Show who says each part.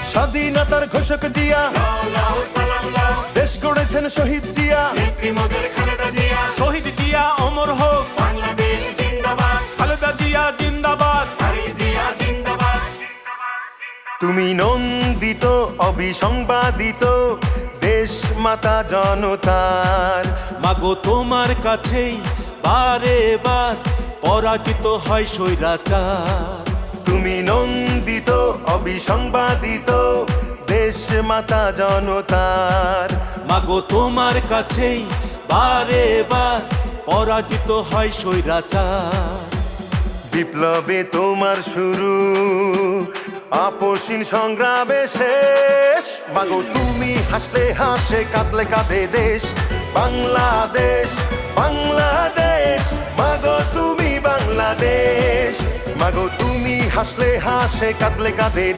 Speaker 1: স্বাধীনতার ঘোষক জিয়া, দেশ গড়েছেন শহীদ জিয়া,
Speaker 2: শহীদ জিয়া অমর হোক, খালেদা জিয়া জিন্দাবাদ।
Speaker 1: তুমি নন্দিত অবিসংবাদিত দেশ মাতা জনতার।
Speaker 2: মাগো তোমার কাছেই বারে বার পরাজিত হয় স্বৈরাচার।
Speaker 1: তুমি নন্দিত অবিসংবাদিত দেশ মাতা জনতার।
Speaker 2: মাগো তোমার কাছেই বারে বার পরাজিত হয় স্বৈরাচার।
Speaker 1: বিপ্লবে তোমার শুরু, আপসীন সংগ্রামে শেষ। মাগো তুমি হাসলে হাসে, কাঁদলে কাঁদে দেশ বাংলাদেশ, বাংলাদেশ। মাগো তুমি বাংলাদেশ, মাগো তুমি হাসলে হাসে, কাঁদলে কাঁদে